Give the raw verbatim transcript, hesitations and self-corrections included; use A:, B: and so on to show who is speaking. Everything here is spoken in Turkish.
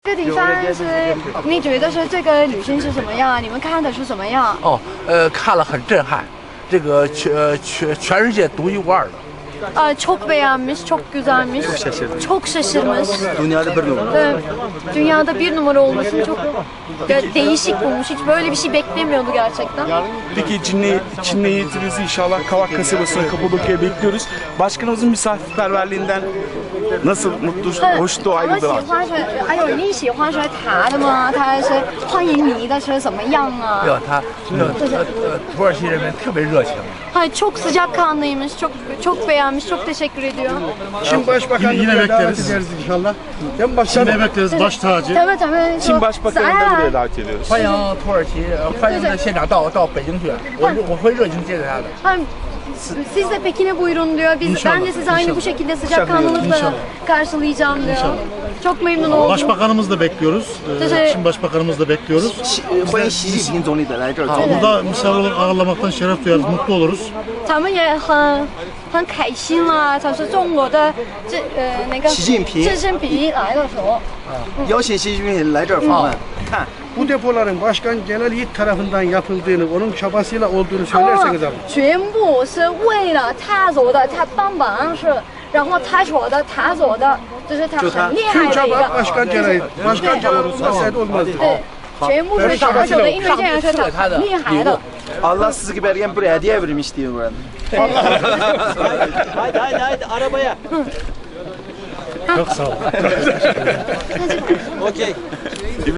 A: 这底方是你觉得说这个旅行是什么样？你们看的是什么样？
B: 哦，呃，看了很震撼，这个全呃全全世界独一无二的。
A: Aa, çok beğenmiş, çok güzelmiş. Çok
C: şaşırdım.
A: Çok şaşırmış.
C: Dünyada bir numara.
A: Evet, dünyada bir numara olmasını çok de- değişik bulmuş. Hiç böyle bir şey beklemiyordu gerçekten.
C: Peki Çinli, Çinli eğitimimizi inşallah Kavak kasabasına Kapadokya'ya bekliyoruz. Başkanımızın misafirperverliğinden nasıl mutlu, hoş
A: 他们
C: ayrıldılar.
A: 喜欢说，哎呦，你喜欢说他的吗？他是欢迎你的是怎么样啊？
B: 对吧？他呃呃呃，土耳其人民特别热情。
A: Hayır, çok sıcakkanlıymış, çok çok beğenmiş, çok teşekkür ediyor.
D: Çin Başbakanı
E: Yine
D: buraya davet
E: bekleriz.
D: ederiz inşallah. Hem başkanım.
E: Yine bekleriz baş tacı.
A: Tabii tabii.
C: Çin Başbakanı'nı da buraya davet ediyoruz.
B: 欢迎土耳其，呃欢迎在现场到到北京去，我我会热情接待他的。
A: Hem siz de Pekin'e buyurun diyor. Biz, ben de sizi aynı bu şekilde sıcakkanlılıkla karşılayacağım diyor. Çok memnun oldum.
E: Başbakanımız da bekliyoruz. Ee,
A: Teşekkür-
E: Çin Başbakanımız da bekliyoruz.
C: 欢迎习近平总理的来这儿做。
E: Burada misafir olarak ağırlamaktan şeref duyarız, mutlu oluruz.
A: 他们也很很开心啦。他是中国的这呃那个
C: 习近平
A: 习近平来的时候，
C: 邀请习近平来这儿访问，看
D: Bu depoların Başkan Celal Yiğit tarafından yapıldığını, onun çabasıyla olduğunu söylerseniz abi.
A: 全部是为了他做的，他帮忙是，然后他说的，他做的，就是他很厉害
D: Tüm
A: 的一
D: çaba
A: 个。
D: Başkan Celal Yiğit. Başkan Celal olmasaydı olmazdı.
A: 对，全部是他做的，因为这样是他很厉害的。
C: Allah sizi gibi ergen buraya hediye vermiş diyor burada.
F: Haydi haydi haydi arabaya.
E: Çok sağ olun.
F: Okey.